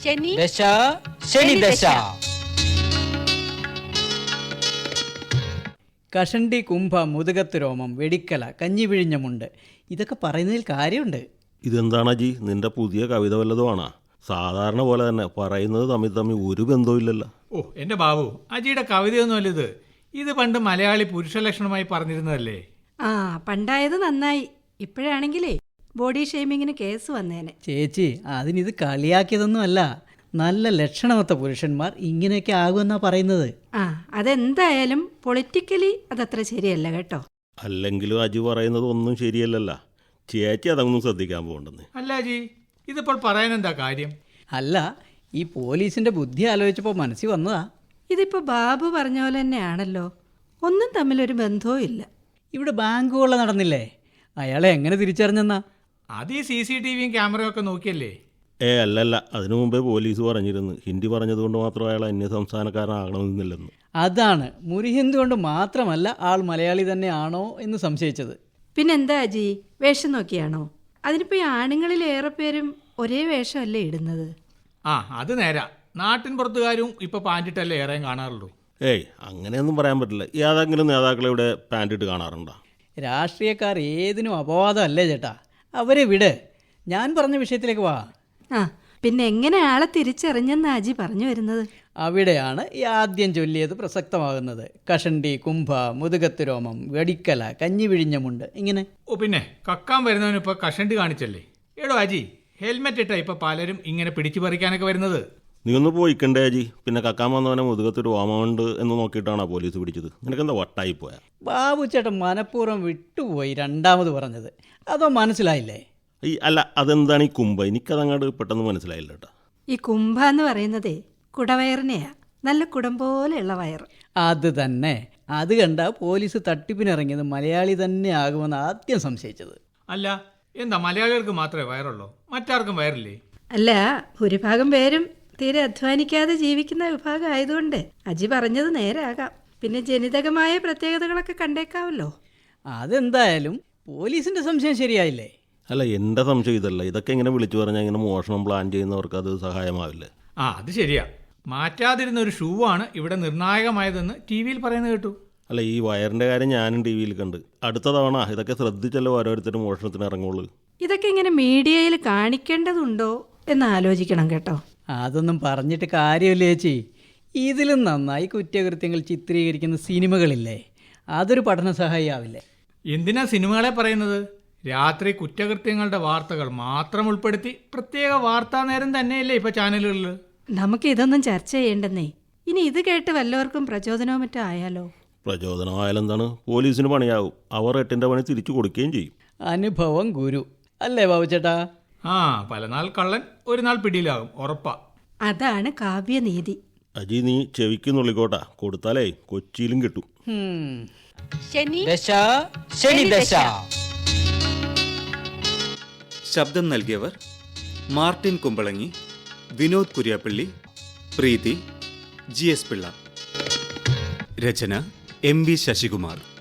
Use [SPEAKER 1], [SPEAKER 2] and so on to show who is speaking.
[SPEAKER 1] ദശ ശനി ദശ.
[SPEAKER 2] കഷണ്ടി, കുംഭ, മുതുകത്ത് രോമം, വെടിക്കല, കഞ്ഞി പിഴിഞ്ഞമുണ്ട്, ഇതൊക്കെ പറയുന്നതിൽ കാര്യമുണ്ട്.
[SPEAKER 3] ഇതെന്താണ് അജി, നിന്റെ പുതിയ കവിത വല്ലതുമാണോ? സാധാരണ പോലെ തന്നെ പറയുന്നത് തമ്മിൽ ഒരു ബന്ധവും ഇല്ലല്ലോ.
[SPEAKER 4] ഓ എൻ്റെ ബാബു, അജിയുടെ കവിതയൊന്നുമല്ല ഇത്. ഇത് പണ്ട് മലയാളി പുരുഷ ലക്ഷണമായി പറഞ്ഞിരുന്നതല്ലേ?
[SPEAKER 5] ആ, പണ്ടായത് നന്നായി. ഇപ്പോഴാണെങ്കിലേ ബോഡി ഷെയ്മിങ്ങിന് കേസ് വന്നേനെ.
[SPEAKER 2] ചേച്ചി, അതിനിത് കളിയാക്കിയതൊന്നുമല്ല. നല്ല ലക്ഷണമൊത്ത പുരുഷന്മാർ ഇങ്ങനെയൊക്കെ ആകുമെന്നാ പറയുന്നത്.
[SPEAKER 5] ആ, അതെന്തായാലും പൊളിറ്റിക്കലി അതത്ര ശരിയല്ല കേട്ടോ.
[SPEAKER 3] അല്ലെങ്കിലും അജി പറയുന്നത് ഒന്നും ശരിയല്ലല്ലോ. ചേച്ചി അതൊന്നും ശ്രദ്ധിക്കാൻ പോകണ്ടെന്ന്.
[SPEAKER 4] അല്ല അജി, ഇതിപ്പോൾ പറയാനെന്താ കാര്യം?
[SPEAKER 2] അല്ല, ഈ പോലീസിന്റെ ബുദ്ധി ആലോചിച്ചപ്പോൾ മനസ്സിൽ വന്നതാ.
[SPEAKER 5] ഇതിപ്പോ ബാബു പറഞ്ഞ പോലെ തന്നെയാണല്ലോ. ഒന്നും തമ്മിലൊരു ബന്ധവും ഇല്ല.
[SPEAKER 2] ഇവിടെ ബാങ്ക് കൊള്ള നടന്നില്ലേ? അയാളെ എങ്ങനെ തിരിച്ചറിഞ്ഞെന്നാ?
[SPEAKER 4] അത് ഈ CCTVയും ക്യാമറയും ഒക്കെ നോക്കിയല്ലേ?
[SPEAKER 3] അല്ലല്ല, അതിനു മുമ്പേ പോലീസ് പറഞ്ഞിരുന്നു ഹിന്ദി പറഞ്ഞതുകൊണ്ട് മാത്രം അയാൾ അന്യ സംസ്ഥാനക്കാരനാകണമെന്നില്ലെന്ന്.
[SPEAKER 2] അതാണ്, മുരിഹിന്ദു കൊണ്ട് മാത്രമല്ല ആൾ മലയാളി തന്നെയാണോ എന്ന് സംശയിച്ചത്.
[SPEAKER 5] പിന്നെന്താ അജി, വേഷം നോക്കിയാണോ? അതിനിപ്പോ ഈ ആണുങ്ങളിൽ ഏറെ പേരും ഒരേ വേഷമല്ലേ ഇടുന്നത്.
[SPEAKER 4] ആ, അത് നേരാ. നാട്ടിൻ പുറത്തുകാരും ഇപ്പൊ പാൻറ്റിട്ടല്ലേ ഏറെയും കാണാറുള്ളൂ.
[SPEAKER 3] അങ്ങനെയൊന്നും പറയാൻ പറ്റില്ല. ഏതെങ്കിലും നേതാക്കളെ ഇവിടെ പാൻറ് ഇട്ട് കാണാറുണ്ടോ?
[SPEAKER 2] രാഷ്ട്രീയക്കാർ ഏതിനും അപവാദമല്ലേ ചേട്ടാ. അവരെ വിട്, ഞാൻ പറഞ്ഞ വിഷയത്തിലേക്ക് വാ.
[SPEAKER 5] ആ, പിന്നെ എങ്ങനെ ആളെ തിരിച്ചറിഞ്ഞെന്ന് അജി പറഞ്ഞു വരുന്നത്?
[SPEAKER 2] അവിടെയാണ് ഈ ആദ്യം ചൊല്ലിയത് പ്രസക്തമാകുന്നത്. കഷണ്ടി, കുംഭ, മുതുകത്ത് രോമം, വെടിക്കല, കഞ്ഞി പിഴിഞ്ഞമുണ്ട്, ഇങ്ങനെ.
[SPEAKER 4] ഓ പിന്നെ കക്കാൻ വരുന്നവന് ഇപ്പൊ കഷണ്ടി കാണിച്ചല്ലേ? എടോ അജി, ഹെൽമെറ്റ് ഇട്ടാ ഇപ്പൊ പലരും ഇങ്ങനെ പിടിച്ചു പറിക്കാനൊക്കെ വരുന്നത്.
[SPEAKER 3] നീ ഒന്ന് പോയിക്കണ്ടേ അജി? പിന്നെ കക്കാൻ വന്നവനെ മുതുകത്തൊരു ഓമമുണ്ട് എന്ന് നോക്കിയിട്ടാണോ പോലീസ് പിടിച്ചത്? നിനക്കെന്താ വട്ടായിപ്പോയാ?
[SPEAKER 2] ബാബു ചേട്ടൻ മനഃപൂർവ്വം വിട്ടുപോയി രണ്ടാമത് പറഞ്ഞത്. അതോ മനസ്സിലായില്ലേ?
[SPEAKER 3] അല്ല, അതെന്താണ് ഈ കുംഭ? എനിക്കതങ്ങോട്ട് പെട്ടെന്ന് മനസ്സിലായില്ല കേട്ടോ.
[SPEAKER 5] ഈ കുംഭ എന്ന് പറയുന്നതേ കുടവയറിനെയാ. നല്ല കുടം പോലെയുള്ള വയറ്.
[SPEAKER 2] അത് തന്നെ. അത് കണ്ട പോലീസ് തട്ടിപ്പിനിറങ്ങിയത് മലയാളി തന്നെ ആകുമെന്ന് ആദ്യം സംശയിച്ചത്.
[SPEAKER 4] അല്ല, എന്താ മലയാളികൾക്ക് മാത്രമേ വയറുള്ളൂ? മറ്റാർക്കും വയറില്ലേ?
[SPEAKER 5] അല്ല, ഭൂരിഭാഗം പേരും തീരെ അധ്വാനിക്കാതെ ജീവിക്കുന്ന വിഭാഗം ആയതുകൊണ്ട് അജി പറഞ്ഞത് നേരാകാം. പിന്നെ ജനിതകമായ പ്രത്യേകതകളൊക്കെ കണ്ടേക്കാവല്ലോ.
[SPEAKER 2] അതെന്തായാലും പോലീസിന്റെ സംശയം ശരിയായില്ലേ?
[SPEAKER 3] അല്ല, എൻ്റെ സംശയം ഇതല്ല. ഇതൊക്കെ ഇങ്ങനെ വിളിച്ചു പറഞ്ഞാൽ ഇങ്ങനെ മോഷണം പ്ലാൻ ചെയ്യുന്നവർക്ക് അത് സഹായമാവില്ലേ?
[SPEAKER 4] ആ, അത് ശരിയാ. മാറ്റാതിരുന്ന ഒരു ഷൂ ആണ് ഇവിടെ നിർണായകമായതെന്ന് TV-യിൽ പറയുന്നത് കേട്ടു.
[SPEAKER 3] അല്ല, ഈ വയറിൻ്റെ കാര്യം ഞാനും TV-യിൽ കണ്ട്. അടുത്ത തവണ ഇതൊക്കെ ശ്രദ്ധിച്ചല്ലോ ഓരോരുത്തരും മോഷണത്തിന് ഇറങ്ങുള്ളൂ.
[SPEAKER 5] ഇതൊക്കെ ഇങ്ങനെ മീഡിയയിൽ കാണിക്കേണ്ടതുണ്ടോ എന്ന് ആലോചിക്കണം കേട്ടോ.
[SPEAKER 2] അതൊന്നും പറഞ്ഞിട്ട് കാര്യമില്ല ചേച്ചി. ഇതിലും നന്നായി കുറ്റകൃത്യങ്ങൾ ചിത്രീകരിക്കുന്ന സിനിമകളില്ലേ, അതൊരു പഠന സഹായിയാവില്ലേ?
[SPEAKER 4] എന്തിനാ സിനിമകളെ പറയുന്നത്? രാത്രി കുറ്റകൃത്യങ്ങളുടെ വാർത്തകൾ മാത്രം ഉൾപ്പെടുത്തി പ്രത്യേക വാർത്താ നേരം തന്നെയല്ലേ ഇപ്പൊ ചാനലുകളിൽ?
[SPEAKER 5] നമുക്ക് ഇതൊന്നും ചർച്ച ചെയ്യേണ്ടെന്നേ. ഇനി ഇത് കേട്ട് വല്ലവർക്കും പ്രചോദനവും മറ്റോ ആയാലോ?
[SPEAKER 3] പ്രചോദനമായാലെന്താണ്? പോലീസിന് പണിയാവും. അവർ 8ന്റെ പണി തിരിച്ചു കൊടുക്കുകയും ചെയ്യും.
[SPEAKER 2] അനുഭവം ഗുരു അല്ലേ ബാബു ചേട്ടാ?
[SPEAKER 4] ആ, പലനാൾ കള്ളൻ ഒരു നാൾ പിടിയിലാകും, ഉറപ്പാ.
[SPEAKER 5] അതാണ് കാവ്യനീതി.
[SPEAKER 3] അജി, നീ ചെവിക്ക് നുള്ളിക്കോട്ടാ. കൊടുത്താലേ കൊച്ചിയിലും കിട്ടും.
[SPEAKER 1] ദശ ശനി ദശ.
[SPEAKER 6] ശബ്ദം നൽകിയവർ മാർട്ടിൻ കുമ്പളങ്ങി, വിനോദ് കുര്യാപ്പള്ളി, പ്രീതി, GS പിള്ള. രചന MV ശശികുമാർ.